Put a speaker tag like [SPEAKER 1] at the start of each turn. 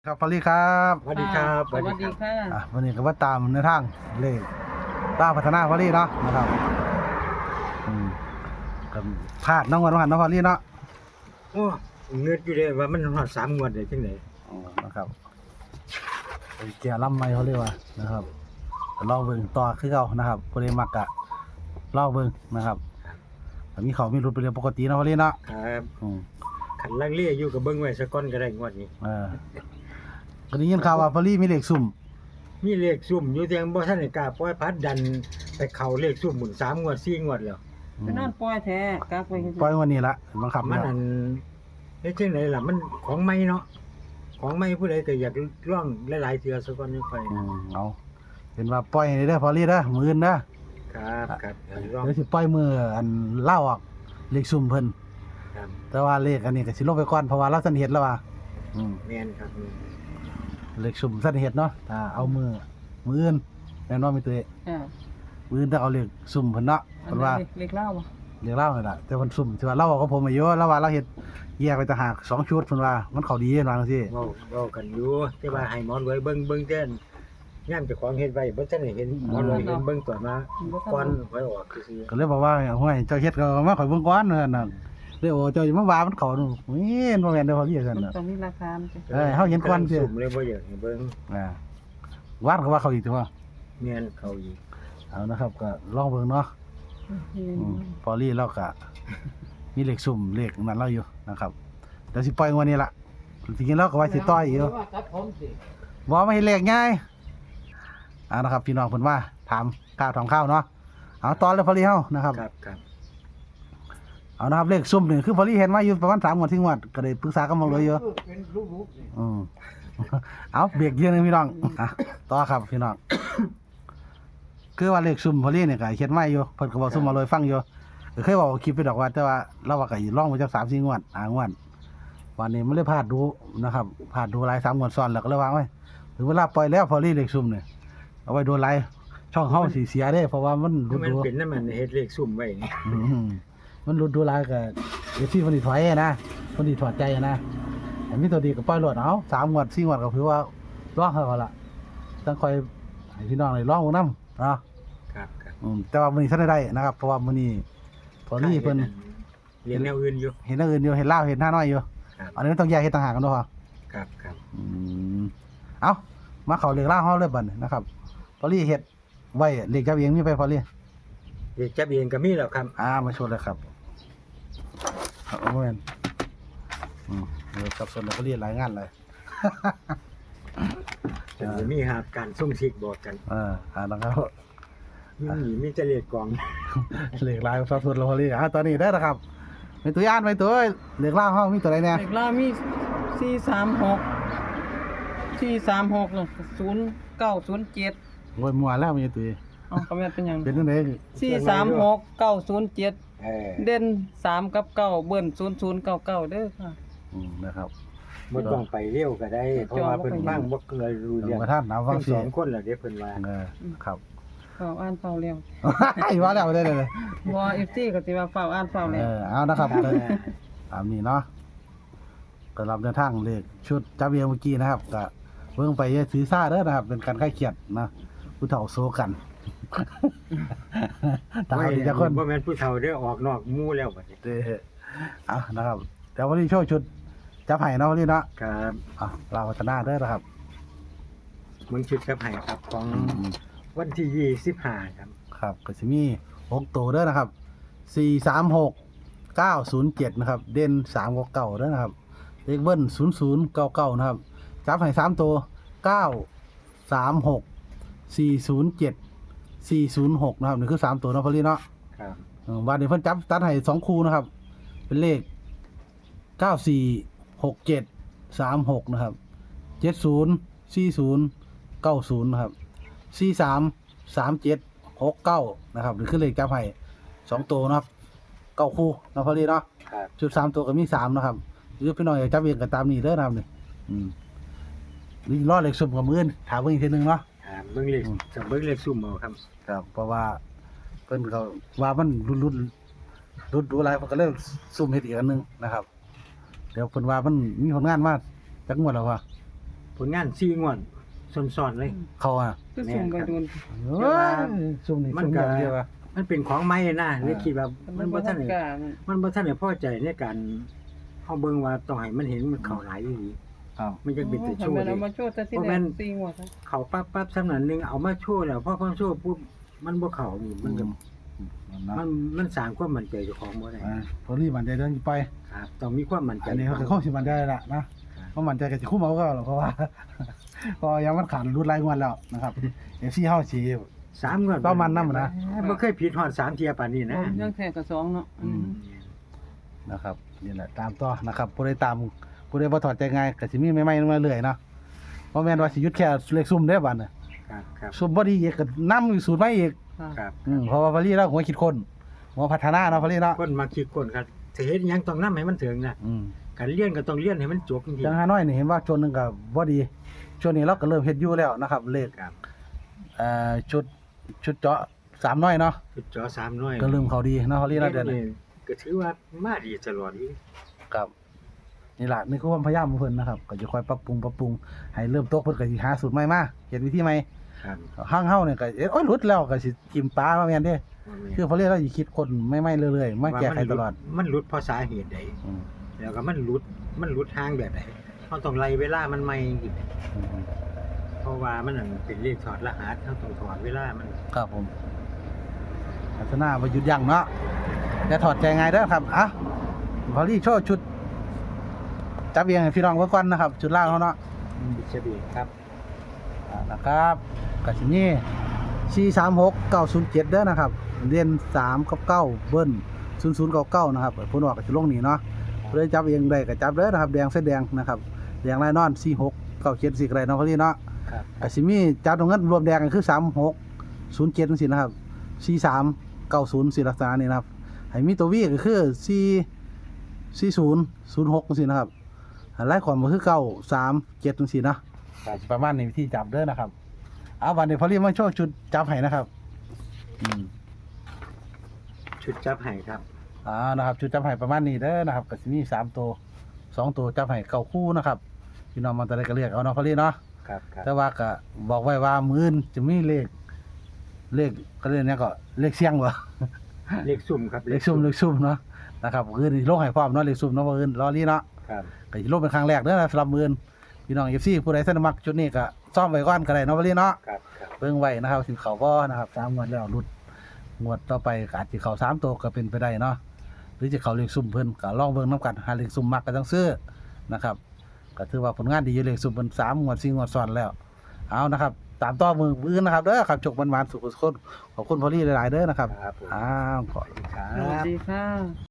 [SPEAKER 1] ครับพอลลี่ครับ
[SPEAKER 2] สวัสดีครับ
[SPEAKER 3] สวัสดีค่ะ
[SPEAKER 1] วันนี้ก็ว่าตามในทางเลขต้าพัฒนาพอลลี่เนาะนะครับกับพลาดน้องวันน้องพอลลี่เนาะ
[SPEAKER 2] โอ้เงือดอยู่เลยว่ามันหอด3 งวดได้จังได๋
[SPEAKER 1] นะครับไอ้เกียร์ลำไม่เขาเรียกว่านะครับลองเบิ่งต่อคือเก่านะครับพอลลี่มักกะลองเบิ่งนะครับแต่มีเขามีรุดไปเรียนปกติเนาะพอลลี่เนาะ
[SPEAKER 2] ครับขันลังเลอยู่กับเบิ่งไว้ซะก่อนก็ได้งวดนี้
[SPEAKER 1] ก็ได้ยินข่าวว่าพอลลี่มีเลขซุ่ม
[SPEAKER 2] มีเลขซุ่มอยู่แต่ยังบ่ทันได้กล้าปล่อยพัดดันไปเข้าเลขซุ่มหมุน3 งวด 4 งวดแล้ว
[SPEAKER 3] ไปนอนปล่อยแท้กลับไปเฮ็ด
[SPEAKER 1] ปล่อยวันนี้ละบังคับ
[SPEAKER 2] มัน
[SPEAKER 1] แล้ว
[SPEAKER 2] อันเฮ็ดจังไดล่ะมันของใหม่เนาะของใหม่ผู้ใดก็อยากลองหลายๆเทื่อซะก่อนจังค่อย
[SPEAKER 1] เอาเป็นว่าปล่อยให้เด้อพอลลี่เด้อมื้ออื่นเด้อ
[SPEAKER 2] ครับลอง
[SPEAKER 1] เดี๋ยวสิปล่อยมืออันเล่าออกเลขซุ่มเพิ่น
[SPEAKER 2] ครับ
[SPEAKER 1] แต่ว่าเลขอันนี้ก็สิลงไปก่อนเพราะว่าเราสันเฮ็ดแล้วว่า
[SPEAKER 2] แม่นครับ
[SPEAKER 1] เลขซุ่มสันเฮ็ดเนาะถ้าเอามืออื่นแน่นอนมีตัว
[SPEAKER 3] อ่า
[SPEAKER 1] มืออื่นถ้าเอาเลขซุ่มเพิ่นเนาะ
[SPEAKER 3] อั
[SPEAKER 1] เพิ่
[SPEAKER 3] น
[SPEAKER 1] น
[SPEAKER 3] นั้
[SPEAKER 1] ว่าน
[SPEAKER 3] เล็กเล่าบ่
[SPEAKER 1] เลขเล่านี่ล่ะแต่เพิ่นซุ่มที่ว่าเราเอากับผมอายุแล้วว่าเราเฮ็ดแยกไปต่างหาก2ชุดเพิ่นว่ามันเข้าดีเว่าจังซี่
[SPEAKER 2] เว้ากันอยู่แต่ว่าให้หมอนรวยเบิ่งแต่ยามเจ้าของเฮ็ดไว้บ่ทันได้เห็นหมอนรวยเห็นเบิ่งตอนมาก่อนไว้ออกซื่อ
[SPEAKER 1] ก็เลยบอกว่าห้วยเจ้าเฮ็ดก็มาข่อยเบิ่งก่อนนั่นน่ะเลยโอ้เจ้าอย่ามาว่ามันเข้านู่นเฮ้ยบ่แม่นเด้อพอพี่ซั่น
[SPEAKER 3] มัน
[SPEAKER 1] น่ะ
[SPEAKER 3] ต้องมีราคามันจะ
[SPEAKER 1] เฮาเห็นก่อนสิ
[SPEAKER 2] สุ่มเลยบ่อยากให้เบิ่ง
[SPEAKER 1] วาดก็ว่าเขาอีกตัว
[SPEAKER 2] แม่นเขาอีก
[SPEAKER 1] เอานะครับก็ลองเบิ่งเนาะพอลี่เราก็มีเลขซุ่มเลขนั้นเราอยู่นะครับเดี๋ยวสิปล่อยงวดนี้ล่ะจริงๆเราก็ว่าสิต่อยอยู่บ่มาเฮ็ดเลขง่ายนะครับพี่น้องเพิ่นว่าถามข้าวทองข้าวเนาะเอาตอนเลยพอลี่เฮานะครับ
[SPEAKER 2] ครับ
[SPEAKER 1] เอานะครับเลขซุ่มนี่คือพอลี่เห็นมาอยู่ประมาณ3งวด4งวดก็ได้ปรึกษากันมาเลยอยู่
[SPEAKER 2] เป็นรูปๆนี่
[SPEAKER 1] เอาเบรกเดียวนึงพี่น้องต่อครับพี่น้องคือว่าเลขซุ่มพอลี่เนี่ยก็เฮ็ดมาอยู่เพิ่นก็บอกซุ่มมาเลยฟังอยู่ก็เคยบอกคลิปไปดอกว่าแต่ว่าเราว่าก็สิลองไปจัก3-4งวดงวดวันนี้มันเลยพลาดดูนะครับพลาดดูหลาย3งวดซ้อนแล้วก็เลยว่าโอ้ยถึงเวลาปล่อยแล้วพอลี่เลขซุ่มเนี่ยเอาไว้โดนหลายช่องเฮาสิเสียเด้เพราะว่ามันหลุด
[SPEAKER 2] มัน
[SPEAKER 1] ดู
[SPEAKER 2] เป็นนั่นมันเฮ็ดเลขซุ่มไว้นี่
[SPEAKER 1] มันหลุดดูหลายก็เดี๋ยวที่เพิ่นสิถอยนะเพิ่นสิถอดใจนะอันนี้ตัวดีก็ปล่อยโลดเอา3งวด4งวดก็ถือว่าร้องเขาละต้องคอยให้พี่น้องได้ร้องนํเนาะ
[SPEAKER 2] ครับ
[SPEAKER 1] แต่ว่ามื้อนี้ทันได้นะครับเพราะว่ามื้อนี้พอลี่เพิ่น
[SPEAKER 2] เรียนแนวอื่นอยู่
[SPEAKER 1] เห็นอันอื่นอยู่เห็นลาวเห็นหน้าน้อยอยู่
[SPEAKER 2] ครับ
[SPEAKER 1] อันนี้มันต้องแยกเฮ็ดต่างหากกันเนาะพ่อ
[SPEAKER 2] ครับ
[SPEAKER 1] เอ้ามาเข้าเรื่องลาวเฮาเลยบัดนี้นะครับพอลี่เฮ็ดไว้เลขจับเองมีไปพอลี่
[SPEAKER 2] เด็กจับเองก็มีแล้วครับ
[SPEAKER 1] มาชวนเลยครับเอาแม่นสับสนแล้วก็เรียนหลายงานเลย
[SPEAKER 2] จะมีหาการส่งซิกบอกกัน
[SPEAKER 1] นะครับ
[SPEAKER 2] มีจะเลขกอง
[SPEAKER 1] เหล็กลายสับสนเราพอลี่ตอนนี้ได้แล้วครับมีตัวอ่านไปตัวเหล็กล่างห้องมีตัวอะไรเนี่ย
[SPEAKER 3] เล็กเล่ามี436น่ะ0907
[SPEAKER 1] โอ้ยมัวแล้วมีตัว
[SPEAKER 3] เอ้าก็แม่นเป็นหยัง
[SPEAKER 1] เป็นจังได๋
[SPEAKER 3] 436 907 เด่น3กับ9เบิ้น0099เด้อค่ะ
[SPEAKER 1] นะครับ
[SPEAKER 2] บ่ต้องไปเร็วก็ได้ เพราะว่าเพิ่นฟังบ่เคยรู้เรื่อง
[SPEAKER 1] มาท่านน้ำฟัง
[SPEAKER 2] ทั้ง
[SPEAKER 1] เสี
[SPEAKER 2] ส
[SPEAKER 1] ย
[SPEAKER 2] อง งคนล่ะเด้เพิ่นว่า
[SPEAKER 1] ครับ
[SPEAKER 3] เฝ้าอ่านเฝ้าแล้ว
[SPEAKER 1] ว่าแล้วได้เลย
[SPEAKER 3] บ่ FT ก็สิว่าเฝ้าอ่านเฝ้าแล้ว
[SPEAKER 1] เอานะครับตามนี้เนาะก็รับในทางเลขชุดจับเบียงเมื่อกี้นะครับก็เบิ่งไปอย่าถือซ่าเด้อนะครับ เป็นการคลายเครียดนะผู้เฒ่าโซกันตามที่จะคน
[SPEAKER 2] บ่แม่นผู้เฒ่าเด้อออกนอกหมู่แล้วบัดนี้
[SPEAKER 1] เอานะครับแต่วันนี้โชว์ชุดจับไห้เนาะวันนี้เนาะ
[SPEAKER 2] ครับ
[SPEAKER 1] เราพัฒนาเด้อนะครับ
[SPEAKER 2] มึงชุดกับไห้ครับของวันที่25ครับ
[SPEAKER 1] ครับก็จะมี6ตัวเด้อนะครับ436 907นะครับเด่น3กับ9เด้อนะครับเลขเบิ้ล0099นะครับจับให้3ตัว936 407 406นะครับนี่คือ3ตัวเนาะพอลี่เนาะ
[SPEAKER 2] ครับ
[SPEAKER 1] วันนี้เพิ่นจับตัดให้2คู่นะครับเป็นเลข946736นะครับ7040 90นะครับ433769นะครับนี่คือเลขจับให้2ตัวนะครับ9คู่เนาะพอลี่เนาะ
[SPEAKER 2] ครับ
[SPEAKER 1] ชุด3ตัวก็มี3นะครับหรือพี่น้องอยากจับเองก็ตามนี้เด้อนะครับนี่นี่รอเลขสุ่มกับมื้อถามเพิ่นอีกทีนึงเนาะ
[SPEAKER 2] เบิ่งเลขจะเบิ่งเลขซุ่มเอาครับ
[SPEAKER 1] ครับเพราะว่าเพิ่นเขาว่ามันรุดดูอะไรเพิ่นก็เลยสุ่มเฮ็ดอีกอันนึงนะครับเดี๋ยวเพิ่นว่ามันมีผลงานมาจักงวดแล้วว่าผ
[SPEAKER 2] ลงาน4งวดซ้อนๆเลย
[SPEAKER 1] เขาอ่ะ
[SPEAKER 3] คือซุ่มไปโดน
[SPEAKER 1] เอ้ยซุ่มนี่
[SPEAKER 2] มัน
[SPEAKER 1] ซุ่ม
[SPEAKER 2] ก็
[SPEAKER 1] อย่างเดียวอะ
[SPEAKER 2] มันเป็นของใหม่นะเลยคิดว่ามันบ่ทันได้
[SPEAKER 3] กล้า
[SPEAKER 2] มันบ่ทันได้พอใจในการเฮาเบิ่งว่าต้องให้มันเห็นมันเข้าหลายอีหลี
[SPEAKER 1] ครับ
[SPEAKER 2] มันจะเป็นแต่โชว์
[SPEAKER 3] มัน
[SPEAKER 2] เล
[SPEAKER 3] เอา
[SPEAKER 2] ย
[SPEAKER 3] มาโชว์แต่ที่
[SPEAKER 2] เพราะ
[SPEAKER 3] แร
[SPEAKER 2] มั
[SPEAKER 3] ก
[SPEAKER 2] น
[SPEAKER 3] 4งวดครับ
[SPEAKER 2] เข้าปั๊บๆสำนันหนึงเอามาโชว์แล้วพอโชว์ปุ๊บมันบ่เข้านี่มันก็
[SPEAKER 1] นะ
[SPEAKER 2] มันสร้างความมั่นใจเจ้าของบ่ได้
[SPEAKER 1] พอรีบมันใจเดินไป
[SPEAKER 2] ครับต้องมีความมั่นใจ
[SPEAKER 1] อันนี้เขาคือข้อสิมันใจละนะเพราะมันใจกับสิคุ้มเอาก็หรอกเพราะว่า พอยังมันขาดรุดรายงวดแล้วนะครับเอฟซีเฮาสิ
[SPEAKER 2] 3งวด
[SPEAKER 1] ต้องมันนำนะ
[SPEAKER 2] บ่เคยผิดฮอด3เที่ยปานนี้นะ
[SPEAKER 3] ยังแท้ก็2เนาะ
[SPEAKER 1] นะครับนี่แหละตามต่อนะครับผู้ใดตามผู้ใดบ่ถอดใจง่ายก็สิมีใหม่ๆมาเรื่อยเนาะบ่แม่นว่าสิหยุดแค่เลขซุ่มเด้อบัดน่ะ
[SPEAKER 2] ครับ
[SPEAKER 1] ซุ่มบ่ดีอีกก็นำอยู่สูตรใหม่อีก
[SPEAKER 3] ค่ะ
[SPEAKER 2] ครับ
[SPEAKER 1] เพราะว่าพอรีแล้วหัวคิดคนหัวพัฒนาเนาะพอรีเนาะ
[SPEAKER 2] คนมาคิดคนครับสิเฮ็ดหยังต้องนำให้มันถึงนะ
[SPEAKER 1] อืม
[SPEAKER 2] การเรียนก็ต้องเรียนให้มันจบจริง
[SPEAKER 1] จังหาน้อยนี่เห็นว่าช่วงหนึงก็บ่ดีช่วงนี้เราก็เริ่มเฮ็ดอยู่แล้วนะครับเลข
[SPEAKER 2] ๆครับ
[SPEAKER 1] ชุดเจาะ3น้อยเนาะ
[SPEAKER 2] จุดจอ3หน่วย
[SPEAKER 1] ก็เริ่มเข้าดีเนาะพอรีเนาะเดือนนี้
[SPEAKER 2] ก็ถือว่ามาดีตลอดอีก
[SPEAKER 1] ครับนี่ล่ะนี่คือความพยายามของเพิ่นนะครับก็จะคอยปรับปรุงให้เริ่มตกเพิ่นก็สิหาสูตรใหม่มาเฮ็ดวิธีใหม่
[SPEAKER 2] ครับ
[SPEAKER 1] ห้างเฮาเนี่ยก็โอ๊ยหลุดแล้วก็สิจิ้มปลาว่าแม่นเด้คือพอรีเราสิคิดคนใหม่ๆเรื่อยๆมาแก้ไขตลอด
[SPEAKER 2] มันหลุดเพราะสาเหตุใด
[SPEAKER 1] อืม
[SPEAKER 2] แล้วก็มันหลุดทางแบบไหนเราต้องไล่เวลามันใหม่จริง
[SPEAKER 1] อืม
[SPEAKER 2] เพราะว่ามันนั่นเป็นเลขถอดรหัสเราต้องถอดเวลามัน
[SPEAKER 1] ครับผมพัฒนาบ่หยุดยั้งเนาะอย่าถอดใจง่ายเด้อครับอ่ะพอรีโชว์ชุดจับเอียงให้พี่น้องเบิ่งก่อนนะครับชุดล่างเฮาเนาะ
[SPEAKER 2] บิชบีครับ
[SPEAKER 1] นะครับก็สิมี436907เด้อนะครับเรียน3กับ9เบิ้ล0099นะครับเพิ่นว่าก็สิลงนี่เนาะเพิ่นจับเองได้ก็จับเด้อนะครับแดงเส้นแดงนะครับแดงลายนอน4697ก็ได้เนาะพอรีเนาะ
[SPEAKER 2] ครับ
[SPEAKER 1] ก็สิมีจับตรงนั้นรวมแดงกันคือ3607จังซี่นะครับ4390สิลักษณะนี้นะครับให้มีตัว V ก็คือ4006จังซี่นะครับหลายความก็คือ937จังซี่เนาะ
[SPEAKER 2] ครับ
[SPEAKER 1] ประมาณนี้วิธีจับเด้อนะครับเอาวันนี้พอรีมาโชว์ชุดจับให้นะครับอืม
[SPEAKER 2] ชุดจับให้ครับ
[SPEAKER 1] นะครับชุดจับให้ประมาณนี้เด้อนะครับก็สิมี3ตัว2ตัวจับให้9คู่นะครับพี่น้องมันจะได้ก็เรียกเอาเนาะพอรีเนาะ
[SPEAKER 2] ครับครับ
[SPEAKER 1] แต่ว่าก็บอกไว้ว่ามื้ออื่นจะมีเลขก็เรียกเนี่ยก็เลขเสียงบ่
[SPEAKER 2] เลขซุ่มครับ
[SPEAKER 1] เลขซุ่มเนาะนะครับมื้ออื่นลงให้พร้อมเนาะเลขซุ่มเนาะมื้ออื่นรอรีเนาะ
[SPEAKER 2] ครับ
[SPEAKER 1] ก็สิลงเป็นครั้งแรกเด้อนะสำหรับมื้ออื่นพี่น้อง FC ผู้ใดสนมักชุดนี้ก็ซ่อมไว้ก่อนก็ได้เนาะพอรีเนาะ
[SPEAKER 2] ครับครับ
[SPEAKER 1] เบิ่งไว้นะครับสิเขาบ่นะครับ3งวดแล้วหลุดงวดต่อไปก็อาจสิเข้า3ตัวก็เป็นไปได้เนาะหรือจะเข้าเลขซุ่มเพิ่นก็ลองเบิ่งนํกันหาเลขซุ่มมักก็ต้องซื้อนะครับก็ถือว่าผลงานดีอยู่เลขซุ่มเพิ่น3งวด4งวดซ้อนแล้วเอานะครับตามต่อมืออื่นนะครับเด้อครับจกมันๆสุขสุขขอบคุณพอลี่หลายๆเด้อนะครับ
[SPEAKER 2] ครับผม
[SPEAKER 1] อ้าวขอ
[SPEAKER 2] สวัสดีครั
[SPEAKER 3] สวัส
[SPEAKER 2] บ
[SPEAKER 3] ดีค่ะ